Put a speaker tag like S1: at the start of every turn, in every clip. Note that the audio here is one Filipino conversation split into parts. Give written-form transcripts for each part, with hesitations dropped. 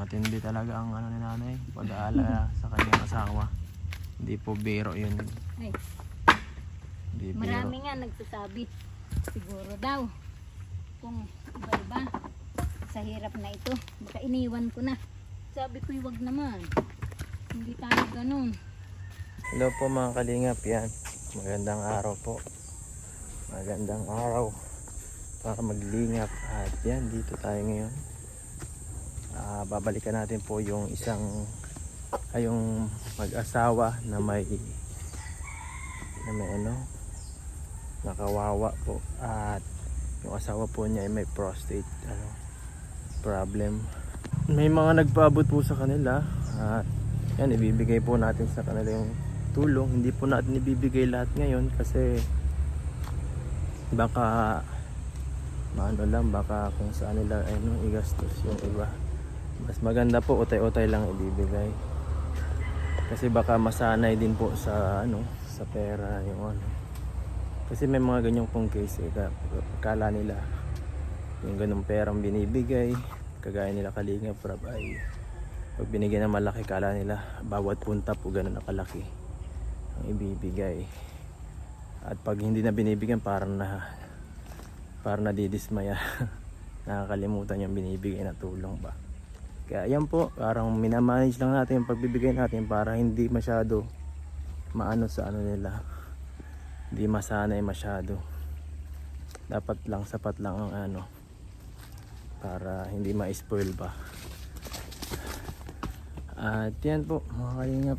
S1: Matindi talaga ang ano ni nanay, pag-aalala sa kanyang asawa. Hindi po biro yun.
S2: Ay,
S1: Hindi biro.
S2: marami nga nagsasabi. Siguro daw. Kung iba-iba. Sa hirap na ito. Baka iniwan ko na. Sabi ko, wag naman. Hindi tayo ganun.
S1: Hello po mga kalingap, yan. Magandang araw po. Magandang araw para maglingap. At yan, dito tayo ngayon. Babalikan natin po yung yung mag-asawa na may nakawawa po. At yung asawa po niya ay may prostate problem. May mga nagpaabot po sa kanila. At yan, ibibigay po natin sa kanila yung tulong. Hindi po natin ibibigay lahat ngayon kasi baka baka kung saan nila igastos yung iba. Mas maganda po utay-utay lang ibibigay. Kasi baka masanay din po sa sa pera yung Kasi may mga ganyong pong case kala nila yung ganung perang binibigay, kagaya nila Kalingap Rab ay pag binigyan ng malaki, kala nila bawat punta po ganun na kalaki ang ibibigay. At pag hindi na binibigyan parang nadidismaya. Nakakalimutan yung binibigay na tulong ba. Kaya yan po, parang minamanage lang natin yung pagbibigay natin para hindi masyado maano sa nila. Hindi masanay masyado. Dapat lang, sapat lang ang para hindi ma-spoil pa. At yan po mga kalingap.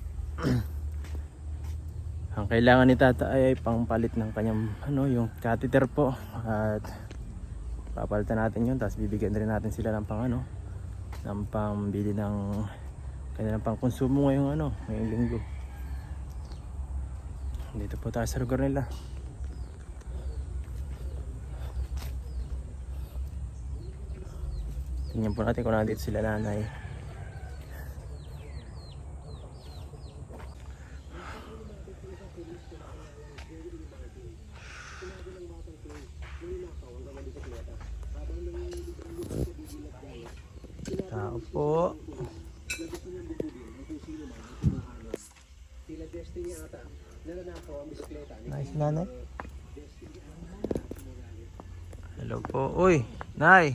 S1: Ang kailangan ni tata ay pangpalit ng kanyang yung catheter po. At papalitan natin yun. Tapos bibigyan rin natin sila ng ng pambili ng kanilang pangkonsumo ngayong linggo. Dito po tayo sa lugar nila. Tingnan po natin kung nandito sila nanay. Tao po. Nice nanay. Hello po. Uy, nay.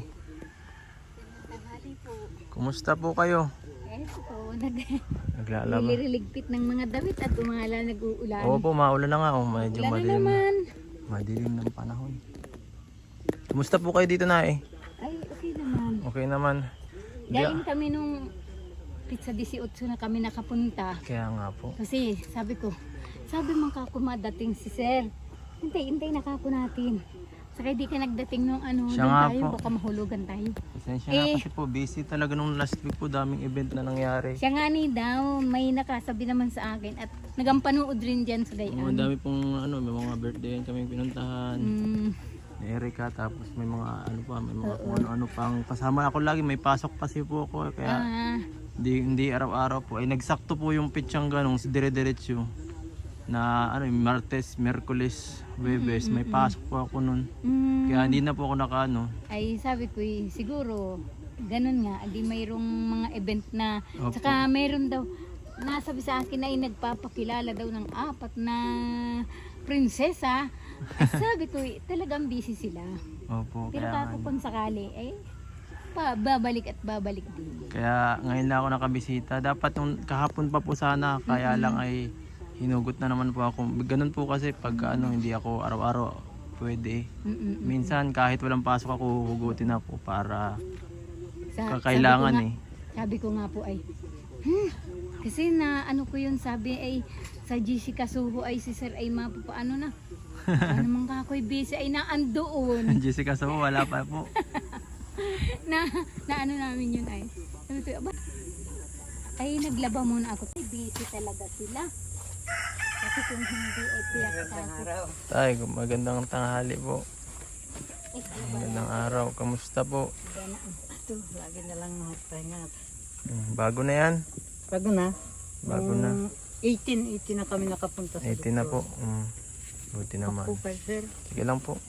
S2: Tanghali po.
S1: Kumusta po kayo?
S2: Po,
S1: Naglalaba.
S2: nilililigpit ng mga damit at umala nag-uulan.
S1: Oo po, maulan na nga. Medyo
S2: Ulan na
S1: madilim.
S2: naman.
S1: Madilim ng panahon. Kumusta po kayo dito nay?
S2: Ay, okay naman.
S1: Okay naman.
S2: Galing kami nung pizza 18 na kami nakapunta.
S1: Kaya nga po.
S2: Kasi sabi man kako madating si sir. Hintay nakako natin. Saka di ka nagdating nung
S1: Siya nga
S2: tayo,
S1: po.
S2: baka mahulugan tayo.
S1: Pasensya na kasi po, busy talaga nung last week po, daming event na nangyari.
S2: Siya nga ni daw, may nakasabi naman sa akin at nagampanood rin dyan sa
S1: Ang
S2: gayan.
S1: dami pong may mga birthday kaming pinuntahan. Ni Erica, tapos may mga may mga kung ano pang kasama ako lagi, may pasok kasi po ako kaya hindi araw-araw po ay nagsakto po yung pitsang ganong dire-diretso na Martes, Miyerkules, Huwebes, may pasok po ako nun. Kaya hindi na po ako
S2: Ay sabi ko siguro ganun nga, di mayroong mga event na
S1: Opo.
S2: saka mayroon daw nasabi sa akin na nagpapakilala daw ng 4 na prinsesa. Ay, sabi ko talagang busy sila.
S1: Opo,
S2: Pero
S1: kaya
S2: kako kung sakali babalik at babalik din.
S1: kaya ngayon lang ako nakabisita. Dapat nung kahapon pa po sana, kaya lang ay hinugot na naman po ako. Ganun po kasi pag hindi ako araw-araw pwede. Minsan kahit walang pasok ako, hugutin na po para kakailangan
S2: Sabi ko nga po ay kasi na ko yun sabi ay sa GC Kasuho ay si sir ay mapapaano na. Ano man kakoy busy ay naandoon.
S1: Jessica, so wala pa po.
S2: na namin yun ay. Sabi ko, ay naglaba muna ako. Ay busy talaga sila. Kasi kung hindi ay tiyak ako.
S1: Tay, magandang tanghali po. Magandang araw. Kamusta po?
S3: Ito, lagi na lang magpahinga.
S1: Bago na yan?
S3: Bago na?
S1: Bago na.
S3: 18 na kami nakapunta sa
S1: 18 na po. Buti naman.
S3: Ako, sir.
S1: Sige lang po.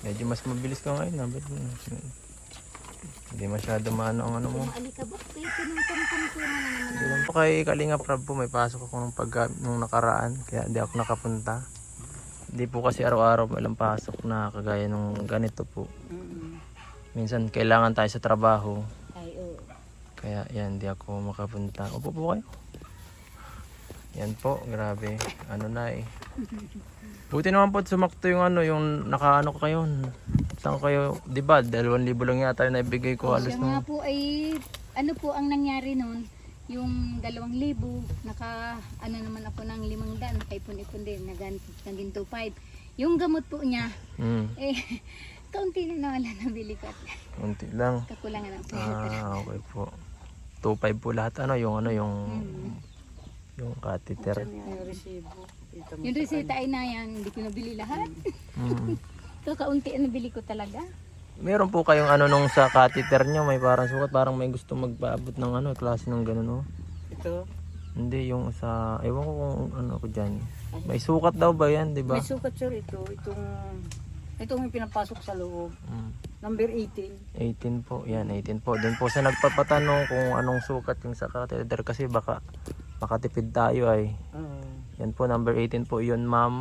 S1: Medyo mas mabilis ka ngayon. Hindi masyado maano ang ano mo.
S2: Yung alikabok, tinutong-tong ko na naman.
S1: Hindi lang po kay Kalinga Prab po. May pasok ako nung nakaraan. Kaya hindi ako nakapunta. Hindi po kasi araw-araw walang pasok na kagaya nung ganito po. Minsan kailangan tayo sa trabaho.
S2: Ay, oo.
S1: Kaya yan, hindi ako makapunta. Upo po kayo. Yan po, grabe. Ano na eh. Buti naman po sumakto yung ano, yung nakaano ko kayo. Saan kayo, di ba? 2,000 lang yata yung naibigay ko. Halos
S2: Siya nga
S1: nung...
S2: po ay, ano po ang nangyari noon, yung 2,000, ano naman ako ng 500, nakaipon-ipon din, naging 2,500. Yung gamot po niya, kaunti na wala nabili ko at
S1: Unti lang.
S2: kakulangan ng pera.
S1: Okay po. 2,500 po lahat. Yung catheter.
S3: Yung resibo. Kita mo.
S2: Yung reseta ay na yan, hindi ko nabili lahat.
S1: Mm.
S2: Kaunti ang nabili ko talaga.
S1: Meron po kayong ano nung sa catheter nyo, may parang sukat, parang may gusto magpaabot ng ano, klase ng gano'n, no?
S3: Ito.
S1: Hindi, yung sa, ewan ko kung ano ko dyan. May sukat daw ba yan, di ba?
S3: May sukat sir ito. Itong yung pinapasok sa loob. Number 18.
S1: 18 po, yan, 18 po. Doon po sa nagpapatanong kung anong sukat yung sa catheter kasi baka makatipid tayo ay. Yan po, number 18 po yun, ma'am.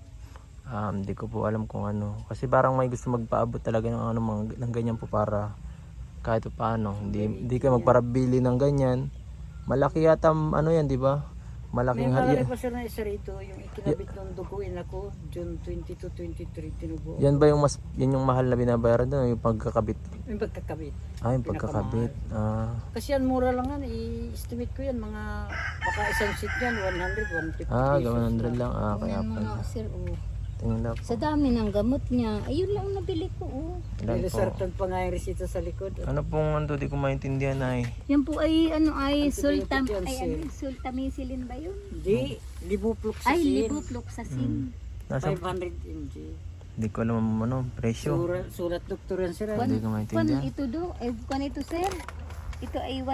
S1: Hindi ko po alam kung ano. Kasi parang may gusto magpaabot talaga ng ano, ng ganyan po para kahit paano. Hindi ka magparabili ng ganyan. Malaki yata ano yan, di ba?
S3: May
S1: Malaking
S3: nakalagay pa sir na isa rito. Yung ikinabit ng duguin ako. June 22, 23 tinubo.
S1: Yan ba yung yan yung mahal na binabayaran doon, yung pagkakabit?
S3: Yung pagkakabit.
S1: Yung pagkakabit.
S3: Kasi yan mura lang yan. I-estimate ko yan. Baka isang seat yan. 100, 150 pesos.
S1: 100 lang. Kaya
S2: Yan
S1: pa.
S2: mga sir,
S1: Tingnan na po.
S2: sa dami ng gamot niya, ayun lang nabili ko.
S1: Ilan po?
S3: Nilisartan pa nga yung resita sa likod.
S1: Ano pong ano, di ko maintindihan ay.
S2: Yan po ay
S3: Antibiotic yan, sir.
S2: sultamicillin ba yun?
S3: Hindi. Libufloxacin.
S2: Ay, levofloxacin.
S1: Nasa,
S3: 500 mg.
S1: di ko alam ano, presyo.
S3: Sulat doktor yan sir.
S1: Hindi ko maintindihan.
S2: Ito do, kwan ito sir. Ito ay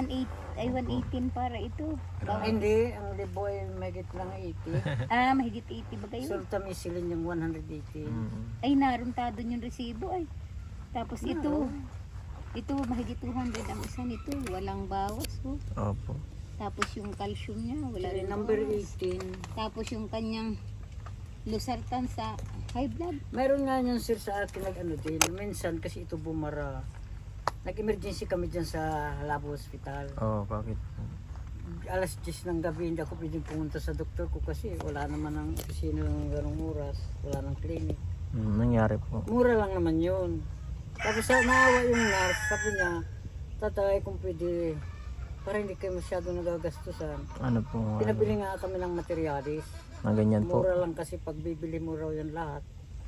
S2: 118 para ito.
S3: Hindi. Ang libo ay mahigit lang 80.
S2: Mahigit 80 ba kayo?
S3: Sultamicillin yung 180.
S2: Ay, naruntado yung resibo ay. Tapos ito mahigit 200 ang isa nito, walang bawas.
S1: Opo.
S2: Tapos yung calcium niya, wala
S3: Sorry,
S2: rin
S3: number
S2: bawas.
S3: 18.
S2: Tapos yung kanyang losartan sa high blood.
S3: Mayroon nga yun sir sa akin nag-ano din. Minsan kasi ito bumara. Nag-emergency kami dyan sa Labo Hospital.
S1: Bakit?
S3: Alas 10 ng gabi hindi ako pwedeng pumunta sa doktor ko kasi wala naman ang opisina ng ganong oras. Wala ng clinic.
S1: Nangyari po.
S3: Mura lang naman yun. Tapos naawa yung nurse. Sabi niya, tatay kung pwede para hindi kayo masyado nagagastusan.
S1: Ano po?
S3: Pinabili nga kami ng materialis.
S1: Na ganyan po.
S3: Mura lang kasi pag bibili mo raw yan lahat.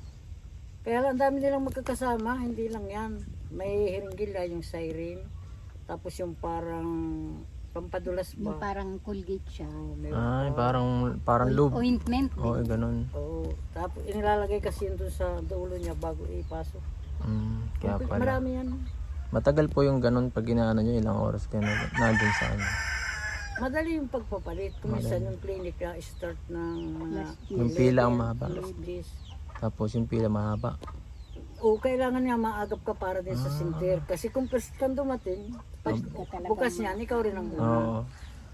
S3: Kaya lang dami nilang magkakasama, hindi lang yan. May hiringgila yung siren. Tapos yung parang pampadulas
S2: Yung
S3: ba?
S2: parang Colgate siya.
S1: Parang lube.
S2: Ointment.
S1: Ganun.
S3: Oo. Tapos inilalagay kasi yun doon sa dulo niya bago ipasok.
S1: Kaya pala.
S3: Marami yan.
S1: Matagal po yung ganun pag ginaano nyo, ilang oras kayo nandun sa ano.
S3: Madali yung pagpapalit. Kuminsan yung clinic na start ng mga
S1: Yung pila ang mahaba.
S3: alas 10.
S1: Tapos yung pila mahaba.
S3: O kailangan nga maagap ka para din sa center. Kasi kung first kang dumating, bukas niyan, ikaw rin ang una.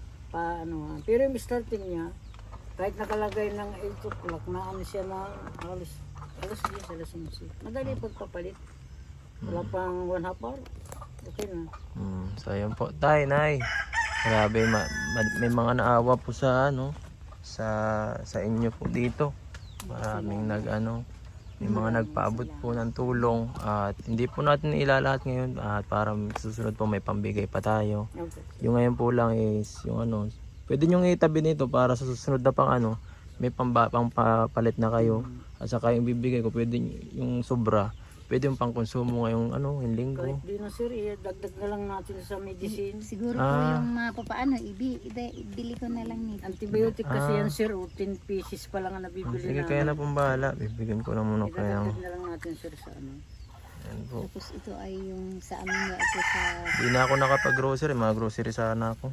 S3: Pero yung starting niya, kahit nakalagay ng 8 o'clock, naano siya na alas 10, alas 11. Madali pagpapalit. Wala pang 1 half hour. Okay na.
S1: So yun po. Nay. Grabe, may mga naawa po sa ano, sa inyo po dito. Maraming may mga nagpaabot po ng tulong at hindi po natin ilalahat ngayon at para susunod po may pambigay pa tayo.
S3: Okay.
S1: Yung ngayon po lang is yung pwede nyo itabi nito para sa susunod na pang may pampalit na kayo at saka yung bibigay ko pwede yung sobra pwede yung pangkonsumo ngayong yung linggo.
S3: Kahit di na sir, dagdag na lang natin sa medicine.
S2: Siguro po yung mapapaano, ibili ko na lang nito.
S3: Antibiotic kasi yan sir, 10 pieces pa lang ang nabibili
S1: Sige, kaya na pong bahala. Bibigyan ko na muna kayo.
S3: Idadagdag na lang natin sir sa
S1: Yan po.
S2: Tapos ito ay yung sa amin na ito sa...
S1: Di na ako nakapag-grocery. Mga grocery sana ako.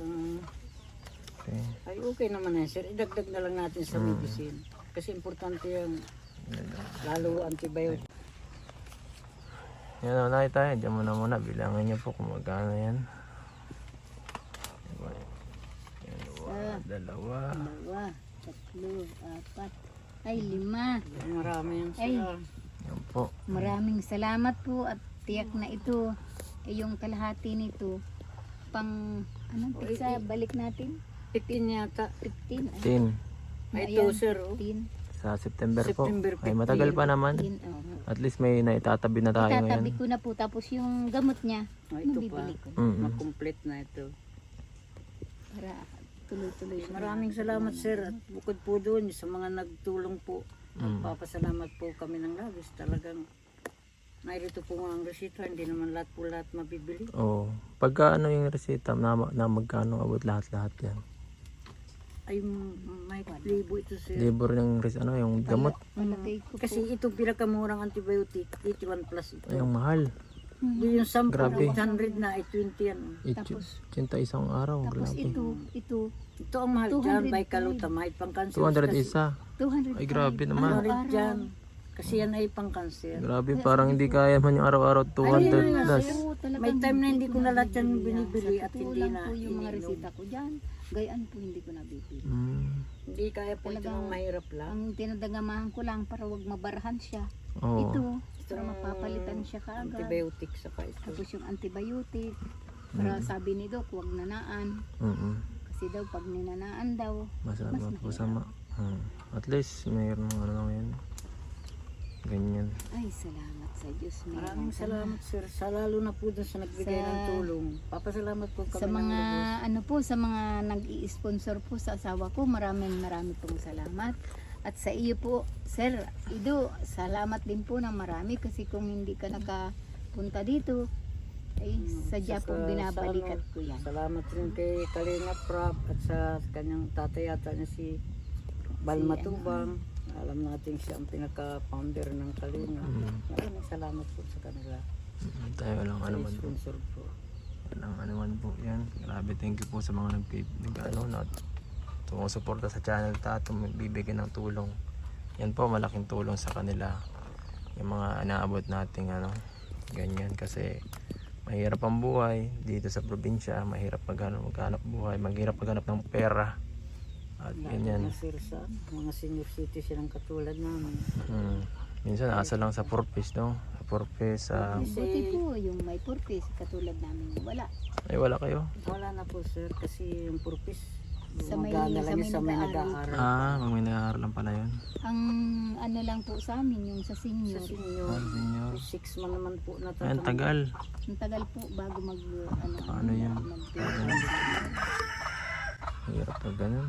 S1: Okay.
S3: Ay okay naman yan sir, idagdag na lang natin sa medicine. Kasi importante yan, lalo antibiotic.
S1: Yan o, nakita tayo. Diyan muna. Bilangan niyo po kung magkano yan. Yan, dalawa.
S2: 2, 3, 4, ay 5.
S3: Marami yan
S2: Ay.
S3: sila.
S1: Yan po.
S2: Maraming salamat po at tiyak na ito ay yung kalahati nito pang anong pizza balik natin
S3: 15 yata.
S2: 15
S1: 10.
S3: Ay,
S2: ayan,
S3: ito sir. Oh.
S2: 15
S1: Sa September po.
S3: September
S1: Ay, matagal pa naman.
S2: 15 oh.
S1: At least may naitatabi na tayo
S2: Itatabi
S1: ngayon.
S2: ko na po tapos yung gamot niya
S3: Oh, ito pa.
S2: mabibili ko
S1: Mm-mm.
S3: Makomplete na ito.
S2: para tuloy-tuloy siya.
S3: Maraming salamat sir. At bukod po doon sa mga nagtulong po. Magpapasalamat po kami ng labis. Talagang narito po nga ang resita. Hindi naman lahat po lahat mabibili.
S1: Oo. Pagka ano yung resita, na magkano abot lahat-lahat yan.
S3: Ay, may libo ito sir.
S1: Libor yung yung gamot.
S2: Malagay ko
S3: Kasi itong pinakamurang antibiotic, 81 plus ito.
S1: Ay, ang mahal.
S3: Yung 10,
S1: Grabe.
S3: 800 na, ay 20 yan.
S2: Tapos-
S1: 81 araw.
S2: tapos
S1: Grabe.
S2: ito
S3: Ito ang mahal dyan,
S2: 200
S3: by kaluta, mahal pang cancer.
S1: 200 isa.
S2: 200
S1: Ay, grabe naman.
S3: Mahal dyan. Kasi yan ay pang cancer.
S1: Grabe, parang hindi kaya man yung araw-araw 200 plus.
S3: May time na hindi ko na lahat yan binibili at hindi
S2: lang
S3: na
S2: po yung mga
S3: iniinom.
S2: resita ko dyan. Gayaan po hindi ko nabibili.
S3: Hindi kaya po ito
S2: Talagang-
S3: ng mahirap lang.
S2: Ang tinadagamahan ko lang para wag mabarahan siya.
S1: Oo.
S2: Ito, para mapapalitan siya kaagad.
S3: Antibiotic sa pa ito.
S2: Tapos yung antibiotic, para sabi ni Doc, wag nanaan. Kasi daw pag ninanaan daw,
S1: Masama po sama. At least mayroon ano yun. Ganyan.
S2: ay salamat sa Diyos.
S3: Maraming salamat sir. Sa lalo na po dun sa nagbigay
S2: Sa-
S3: ng tulong. Papasalamat po kami
S2: Sa
S3: ng
S2: mga
S3: lubos.
S2: ano po, sa mga nag-i-sponsor po sa asawa ko, maraming pong salamat. At sa iyo po, Sir Ido, salamat din po ng marami kasi kung hindi ka nakapunta dito, ay sadya
S3: Saka
S2: pong binabalikat
S3: sa ano,
S2: ko yan.
S3: Salamat rin kay Kalinga Prab at sa kanyang tatay yata niya si Balmatubang. Alam natin siya ang pinaka-founder ng Kalinga. Maraming salamat po sa kanila.
S1: Tayo lang ano man po.
S3: Sponsor po.
S1: Walang ano man po yan. Grabe, thank you po sa mga sumusuporta sa channel ta at bibigyan ng tulong. Yan po, malaking tulong sa kanila. Yung mga inaabot nating ganyan kasi mahirap ang buhay dito sa probinsya, mahirap maghanap buhay, mahirap maghanap ng pera. At ganyan.
S3: Lalo na sir sa mga senior citizen ang katulad namin.
S1: Minsan asa lang sa purpose, no? Sa purpose,
S2: Buti po yung may purpose katulad namin wala.
S1: ay wala kayo?
S3: Wala na po sir kasi yung purpose
S2: Sa may-
S3: gumagana lang
S2: sa
S3: sa
S2: may
S3: may
S2: nag-aaral.
S3: nag-aaral.
S1: Pag may nag-aaral lang pala yun.
S2: Ang ano lang po sa amin yung sa
S3: Sa
S2: senior.
S3: senior,
S1: Senior.
S3: 6 man naman po
S1: Ayan,
S3: natatang.
S1: tagal.
S2: Ang tagal po bago
S1: Paano yun?
S2: mag-
S1: Hirap na ganun.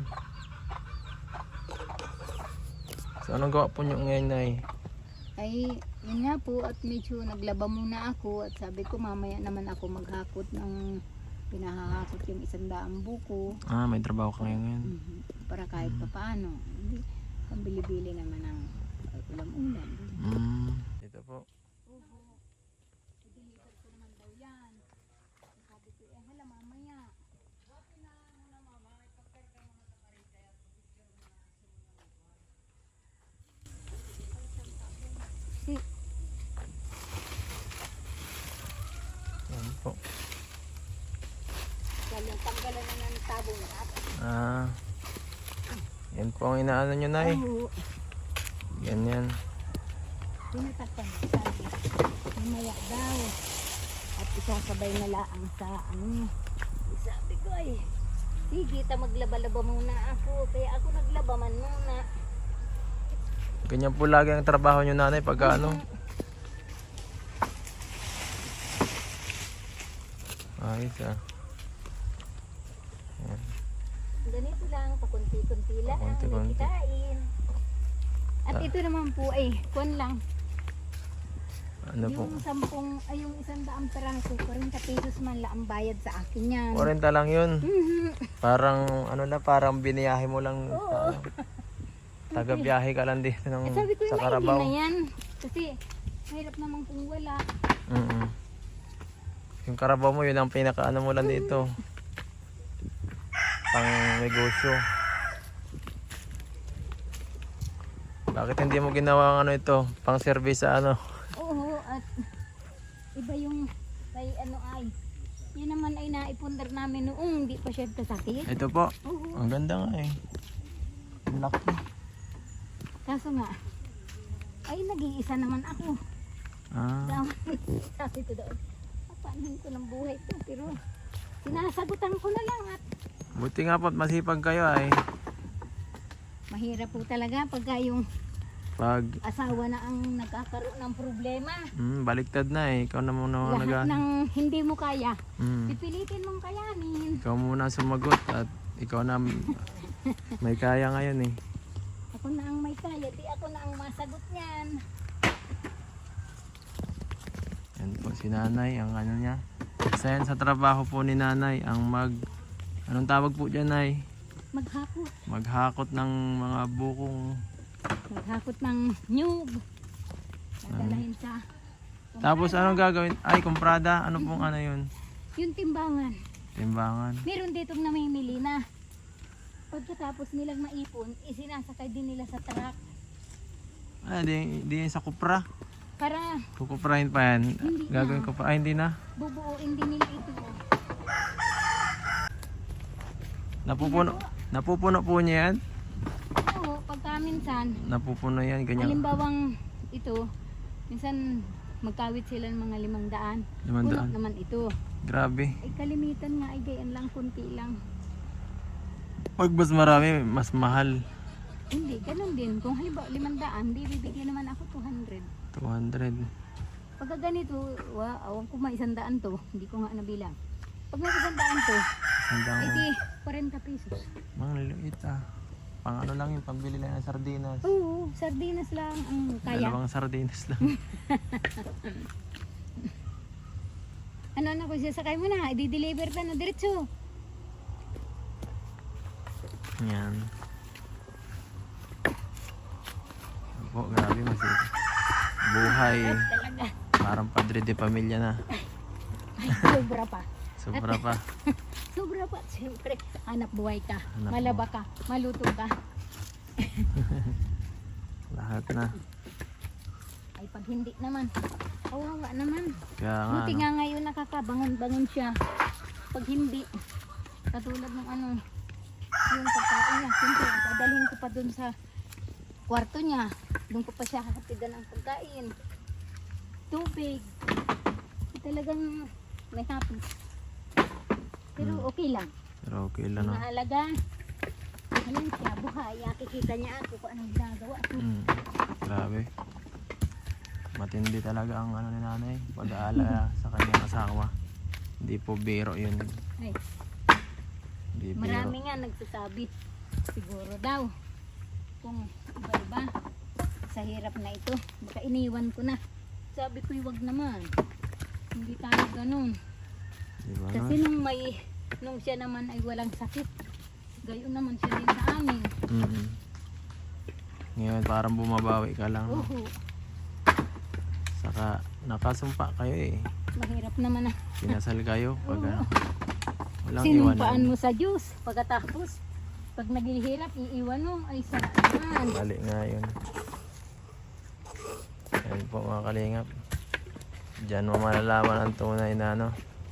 S1: So anong gawa po nyo ngayon, Nay?
S2: Ay, yun nga po at medyo naglaba muna ako at sabi ko mamaya naman ako maghakot ng pinahahakot yung 100 buko.
S1: May trabaho ka ngayon.
S2: Para kahit papaano. Hindi, pambili-bili naman ng ulam-ulam.
S1: Dito po. Yan po.
S2: Galing tanggalan na ng tabong at
S1: Yan po ang inaano nyo, Nay. Ganyan.
S2: pinatakpan sabi. Mamaya daw. At isasabay na laang sa sabi ko ay sige, maglaba-laba muna ako. Kaya ako naglaba man muna.
S1: Ganyan po lagi ang trabaho nyo, Nanay, pagka ayos Yan.
S2: Ganito lang, pakunti-kunti lang.
S1: Pakunti-kunti.
S2: Kitain. At ito naman po ay kuwan lang.
S1: Ano po?
S2: Yung 100 peraso, 40 pesos man lang ang bayad sa akin yan.
S1: 40 lang yun. Parang parang biniyahe mo lang taga-biyahe ka lang dito ng,
S2: Sabi ko
S1: sa
S2: yung
S1: Carabao.
S2: na yan. Kasi mahirap naman kung wala.
S1: Yung Carabao mo, yun ang pinaka mo lang dito. Pang negosyo. Bakit hindi mo ginawa ang ito? Pang service sa
S2: Oo, at Iba yung kay ano ay. Yun naman ay naipundar namin noong hindi pa siya kasakit.
S1: Ito po.
S2: Oo.
S1: Ang ganda nga eh. Ang laki.
S2: Kaso nga, ay nag-iisa naman ako.
S1: Ah,
S2: Sabi ko doon, papanin ko ng buhay ko. Pero sinasagutan ko na lang at
S1: buti nga po at masipag kayo ay.
S2: mahirap po talaga pagka yung
S1: Pag
S2: asawa na ang nagkakaroon ng problema.
S1: baliktad na eh. Ikaw na muna
S2: Lahat ng hindi mo kaya,
S1: Mm.
S2: pipilitin mong kayanin.
S1: Ikaw muna sumagot at ikaw na may kaya ngayon eh.
S2: Ako na ang may kaya, di ako na ang masagot niyan.
S1: Yan po si nanay, ang ano niya. Isa yan sa trabaho po ni nanay, ang anong tawag po dyan ay?
S2: Maghakot.
S1: Maghakot ng mga bukong.
S2: Maghakot ng nyug. Dadalahin sa
S1: Tapos anong gagawin? Ay, kumprada. Ano pong ano yun?
S2: yung timbangan.
S1: Timbangan.
S2: Meron ditong namimili na. Pagkatapos nilang maipon, isinasakay din nila sa truck.
S1: Ah, di yan sa kupra.
S2: Para
S1: Kukuprahin pa yan.
S2: Hindi
S1: Gagawin
S2: na.
S1: ko pa. Ay, hindi na.
S2: bubuuin din nila ito.
S1: Napupuno po niya yan.
S2: Oo, pagka minsan,
S1: Napupuno yan. Ganyan.
S2: halimbawang ito, minsan magkawit sila ng mga 500.
S1: 500.
S2: Puno naman ito.
S1: Grabe.
S2: Ay kalimitan nga ay gayan lang, kunti lang.
S1: Pag mas marami, mas mahal.
S2: Hindi, ganun din. Kung halimbawa 500, di bibigyan naman ako 200.
S1: 200.
S2: Pagka ganito, awan ko may 100 to, hindi ko nga nabilang. Pag may 100 to,
S1: Sandang
S2: ay di 40 pesos.
S1: mga liliit ah. Pang ano lang yung pambili lang ng sardinas.
S2: Oo, sardinas lang ang kaya.
S1: Dalawang sardinas lang.
S2: Ano ko siya, sakay mo na, i-deliver ka na diretso.
S1: Yan. Po, grabe masip. Buhay.
S2: Talaga,
S1: Parang padre de pamilya na.
S2: sobra pa.
S1: Sobra pa.
S2: Sobra pa, siyempre. Hanap buhay ka,
S1: Hanap
S2: malaba ka, maluto ka.
S1: Lahat na.
S2: Ay pag hindi naman, kawawa naman.
S1: Kaya nga,
S2: Buti
S1: ano,
S2: nga ngayon nakakabangon-bangon siya. Pag hindi, katulad ng ano, yung pagkain niya, siyempre, dadalhin ko pa dun sa kwarto niya. Doon ko pa siya hatidan ng pagkain. Tubig. Talagang may hapon. Pero okay lang.
S1: pero okay lang no.
S2: Mahalaga. Alam siya, buhay. Kikita niya ako kung anong ginagawa ko.
S1: Grabe. Matindi talaga ang ano ni nanay. Pag-aalala sa kanyang asawa. Hindi po biro yun.
S2: Ay,
S1: Hindi biro.
S2: marami nga nagsasabi. Siguro daw. Kung iba-iba. Sa hirap na ito. Baka iniwan ko na. Sabi ko, wag naman. Hindi tayo ganun.
S1: Diba
S2: Kasi
S1: no?
S2: nung siya naman ay walang sakit. Gayon naman siya din sa amin.
S1: Ngayon parang bumabawi ka lang. No?
S2: Oo.
S1: Saka nakasumpa kayo eh.
S2: Mahirap naman na.
S1: Kinasal kayo. Pag ano, walang
S2: Sinumpaan
S1: iwanan.
S2: mo sa Diyos. Pagkatapos, pag naghihirap, iiwan mo. Ay, saan?
S1: Mali nga yun. Yan po mga kalingap. Diyan mo malalaman ang tunay na ano.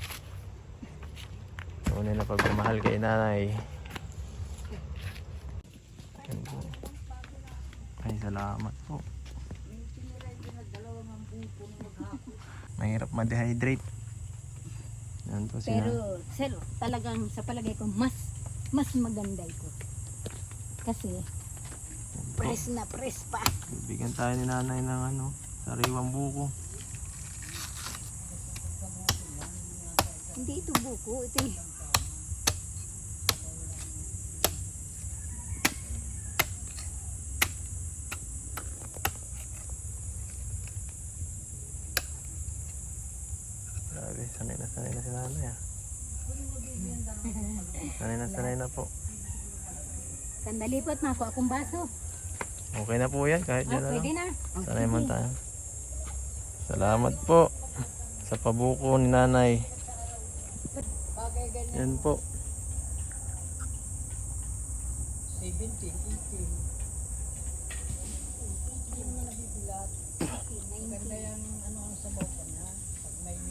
S1: Tunay na pagmamahal kay nanay. Yan po. Ay, salamat po. Mahirap ma-dehydrate. Yan po sila.
S2: Pero, selo, talagang sa palagay ko, mas maganda ito. Kasi, press na press pa.
S1: Bibigyan tayo ni nanay ng ano, sariwang buko.
S2: Hindi ito buko, ito eh.
S1: Grabe, sanay na si nanay ah. Sanay na po.
S2: Sandali po't mako akong baso.
S1: Okay na po yan, kahit dyan na
S2: Pwede
S1: lang.
S2: na.
S1: Sanay man tayo. Salamat po sa pabuko ni nanay. Yan po.
S3: 17, 18. Ganda yung ano ang sabaw pa niya. Pag may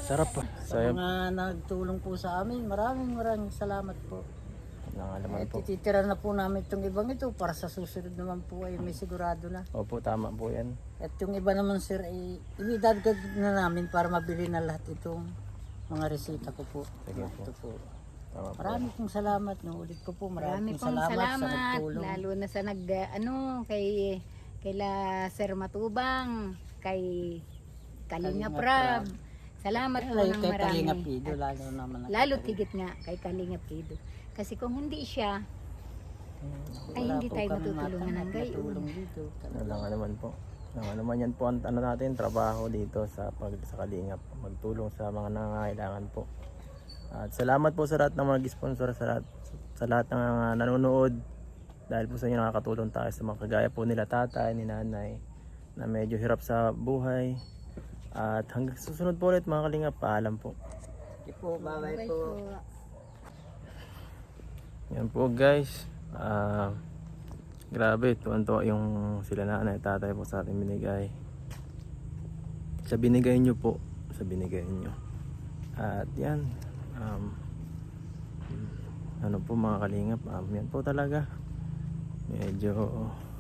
S1: Sarap po.
S3: Sa mga nagtulong po sa amin, maraming salamat po.
S1: Nangalaman po.
S3: Titira na po namin itong ibang ito para sa susunod naman po ay may sigurado na.
S1: Opo, tama po yan.
S3: At yung iba naman sir ay ibidagdag na namin para mabili na lahat itong mga resita ko po.
S1: Sige po.
S3: Ito po.
S1: Tama po.
S3: Maraming pong salamat. No, ulit ko po.
S2: Marami
S3: Maraming
S2: pong
S3: salamat, sa
S2: salamat,
S3: nagtulong.
S2: lalo na sa kay la Sir Matubang, kay Kalinga
S3: Kalinga
S2: Prab. Salamat po
S3: Kay
S2: ng
S3: Kalinga
S2: marami.
S3: Pido, lalo naman.
S2: Lalo tigit nga kay Kalinga Pido. Kasi kung hindi siya, ay hindi tayo matutulungan ng gayon.
S3: Tulong dito.
S1: Wala nga naman po. Wala nga naman yan po ang ano natin, trabaho dito sa sa Kalingap. Magtulong sa mga nangangailangan po. At salamat po sa lahat ng mga nag-sponsor, sa lahat ng mga nanonood. Dahil po sa inyo nakakatulong tayo sa mga kagaya po nila tatay, ni nanay, na medyo hirap sa buhay. At hanggang susunod po ulit mga Kalingap, paalam po.
S3: Sige po, bye-bye
S2: Bye
S3: po.
S2: po.
S1: Yan po guys. Grabe, tuwan-tuwa yung sila nanay, tatay po sa ating binigay. Sa binigay nyo po, sa binigay nyo. At yan, ano po mga Kalingap, yan po talaga. Medyo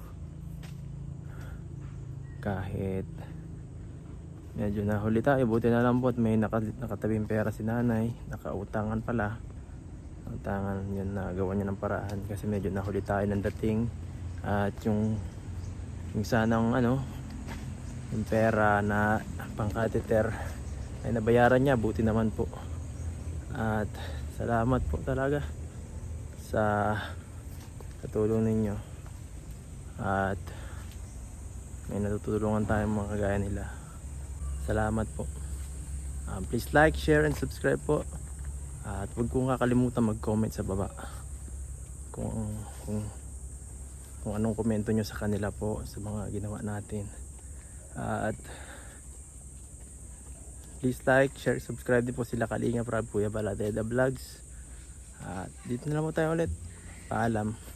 S1: kahit medyo nahuli tayo, buti na lang po at may nakatabing pera si nanay, nakautangan pala. Utangan yun, nagawa niya ng paraan kasi medyo nahuli tayo ng dating. At yung sanang yung pera na pang-catheter ay nabayaran niya, buti naman po. At salamat po talaga sa katulong ninyo. At may natutulungan tayong mga kagaya nila. Salamat po. Please like, share, and subscribe po. At huwag kong kakalimutan mag-comment sa baba kung anong komento nyo sa kanila po sa mga ginawa natin. At please like, share, subscribe din po sila Kalinga Prab, Kuya Baladeda Vlogs. At dito na lang po tayo ulit. Paalam.